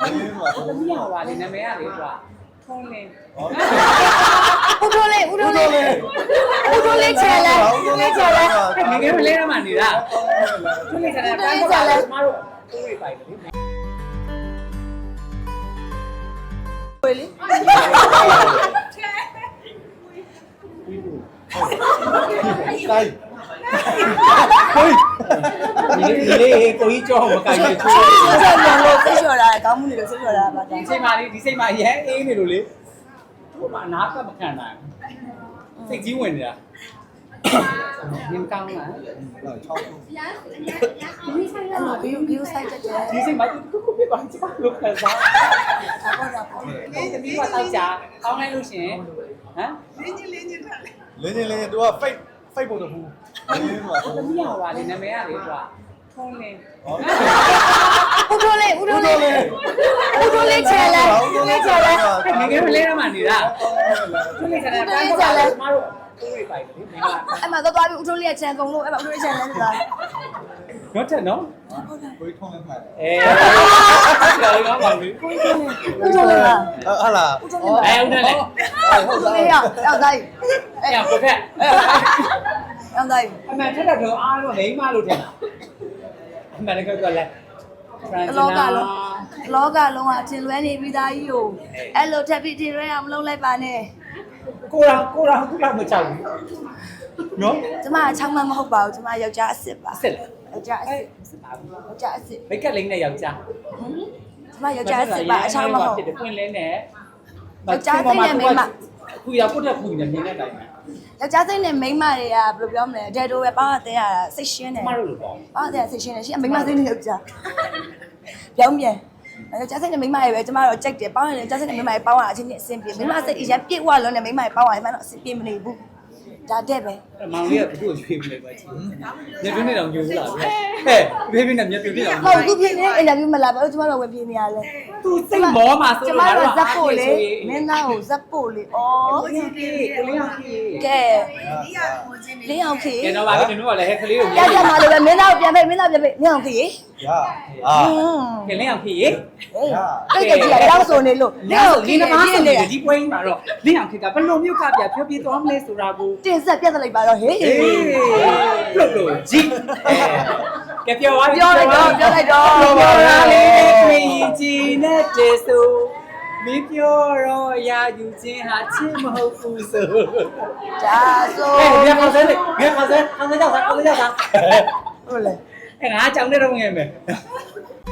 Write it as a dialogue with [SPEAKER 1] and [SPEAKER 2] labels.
[SPEAKER 1] သမီးရောပါလေနာမည်ကလေကွာထုံးလင်း
[SPEAKER 2] ဦးထိုးလေးချဲလဲ
[SPEAKER 1] ငယ်ငယ်မလဲတော့မှနေတာထုံးလင်းကလည်းတန်းကြလဲကျမတို့ကိုယ်တွေပိုင်တယ်လေ
[SPEAKER 2] ဝေးလေး
[SPEAKER 3] တိုင်းဟေး
[SPEAKER 1] ဒီလေးကိုကြီးကြောမကိုင်ဘူး
[SPEAKER 2] ဆက်ပြန်လို့ဆိတ်လျှော်တာကောင်းမှုတွေလို့ဆိတ်လျှော်တာပါတ
[SPEAKER 1] ဒီ
[SPEAKER 2] ယ်
[SPEAKER 1] စိတ်မှလေးဒီစိတ်မှရဲအေးနေလို့လေတို့မှနားကမခံနိုင်စိတ်ကြီးဝင်နေတာနင်ကောင်းလား
[SPEAKER 3] 6ခု
[SPEAKER 2] အဲ့လိုဘီယူဆိုင်တက်တယ်
[SPEAKER 1] ဒီစိတ်မှသူခုဖြစ်သွားချင်လို့ခံစားသမီးကတော့ကြာကောင်းလိုက်လို့ရှင်ဟမ်
[SPEAKER 3] လင်းချင်းသူက fake ပုံတစ်ခုလင်းမှာ
[SPEAKER 1] သမီးရောပါလေနာမည်ကလေကွာထုံးလင်း
[SPEAKER 2] ဦးထိုးလေးချဲလဲ
[SPEAKER 1] ငယ်ငယ်မလဲတော့မှနေတာထုံးလင်းကလည်းတန်းကြလဲကျမတို့ကိုယ်တွေပိုင်တယ်လေမင်းက
[SPEAKER 2] အဲ့မှာသွားပြီးဦးထိုးလေးချဲကုန်လို့အဲ့မှာဦးထိုးလေးချဲလဲဆိုတာ
[SPEAKER 1] တော့တဲ့နော်
[SPEAKER 3] ကိုထုံးလက်မှတ်
[SPEAKER 1] ကျော်ရောပါပြီ
[SPEAKER 2] ဦးထိုးလေးလား
[SPEAKER 3] ဟာလား
[SPEAKER 1] ဦးနဲ့လေ
[SPEAKER 2] ဦးထိုးလေးရောက်သားကြီး
[SPEAKER 1] အဲ့ရကိုဖက်
[SPEAKER 2] ရောက်သားကြီး
[SPEAKER 1] အမှန်ထက်တော့အားတော့မိန်းမလို့ထင်တာအမှန်လည်းကတော့လဲဖရန်စနာ
[SPEAKER 2] လောကလုံးကအထင်လွဲနေပြီးသားကြီးကိုအဲ့လိုထပ်ပြီးထင်လွဲအောင်မလုပ်လိုက်ပါနဲ့
[SPEAKER 1] ကိုရာသူ့လောက်မချောက်ဘူးနော်
[SPEAKER 2] ကျမအချောင်းမမဟုတ်ပါဘူးကျမယောက်ျားအစ်စ်ပါ
[SPEAKER 1] စစ်လေ
[SPEAKER 2] ယောက်ျားအစ်စ်
[SPEAKER 1] စစ်ပါဘူး
[SPEAKER 2] ယောက်ျားအစ်စ်
[SPEAKER 1] မိတ်ကလိမ့်နဲ့ယောက်ျား
[SPEAKER 2] ကျမယောက်ျားအစ်စ်ပါအချောင်းမဟုတ်
[SPEAKER 1] ဖြစ်တယ်ပွင့်လင်းနဲ့
[SPEAKER 2] ယောက်ျားစိတ်နဲ့မိန်းမ
[SPEAKER 1] ခုရပုတ်တဲ့ခုနဲ့မြင်တဲ့အတိုင်းပဲ
[SPEAKER 2] ယောက်ျားစိတ်နဲ့မိန်းမတွေကဘယ်လိုပြောမလဲဒဲတိုပဲပေါင်းတဲ့ရတာစိတ်ရှင်းတယ်
[SPEAKER 1] ကျမတို့လိုပေါ့
[SPEAKER 2] ပေါင်းတဲ့စိတ်ရှင်းတယ်ရှင်မိန်းမစိတ်နဲ့ယောက်ျားပြောင်းပြန်ယောက်ျားစိတ်နဲ့မိန်းမတွေပဲကျမတို့ကြိုက်တယ်ပေါင်းရင်ယောက်ျားစိတ်နဲ့မိန်းမတွေပေါင်းရအချင်းချင်းအဆင်ပြေမိန်းမစိတ်အရင်ပြည့်ဝလုံးနဲ့မိန်းမတွေပေါင်းရမှတော့အဆင်ပြေမနေဘူးဒါတဲ့ပဲ
[SPEAKER 1] မောင်လေးကသူ့ကိုရွှေ့ပြလိုက်ပါချင်းညပြင်းနေတော့ညိုဘူးလားဟဲ့ဘေးဘေးနဲ့ညပြင်းနေတော့
[SPEAKER 2] ဟုတ်သူပြင်းနေအင်တာဗျူးမလာဘူးကျမတို့ဝင်ပြင်းနေရလဲ
[SPEAKER 1] သူစိတ်မောမှာဆို
[SPEAKER 2] ကျမတို့ဇက်ပို့လေမင်းသားကိုဇက်ပို့လေဩ
[SPEAKER 1] ကိုကြီးကိုလေးအောင်ကြီး
[SPEAKER 2] ကဲလင်းအောင်ခေ
[SPEAKER 1] ကဲတော့ပါပြီတို့ကလည်းဟဲ့ကလေးကို
[SPEAKER 2] ရကြမှာလို့ပဲမင်းသားကိုပြန်ဖိတ်မင်းသားပြန်ဖိတ်လင်းအောင်ခေ
[SPEAKER 3] ရအာ
[SPEAKER 1] ကဲလင်းအောင်ကြီး
[SPEAKER 2] ဟေးတိတ်ကြည့်ရအောင်ဆိုနေလို့လင်းအောင်ခေ
[SPEAKER 1] ဒီနမဆို
[SPEAKER 2] နေ
[SPEAKER 1] ဒီပွဲမှာတော့လင်းအောင်ခေကဘယ်လိုမျိုးကပြဖြောပြေးသွားမလဲဆိုတာကို
[SPEAKER 2] တင်ဆက်ပြတ်လိုက်ပါတော့ဟေး
[SPEAKER 1] ပလုတ်လို့ဂျီကဲပြောပါ
[SPEAKER 2] ပြောလိုက်တော့
[SPEAKER 1] ပြောပါလားလေခွေရင်ကြည်နဲ့တေဆိုမင်းပြောတော့အရာယူခြင်းဟာချစ်မဟုတ်ဘူးဆို
[SPEAKER 2] ဒါဆို
[SPEAKER 1] ဟဲ့ငါခေါ်စဲလေငါခေါ်စဲကြောက်စား
[SPEAKER 2] ဟုတ်လေ
[SPEAKER 1] ငါကြောင်နေတော့ငယ်မယ်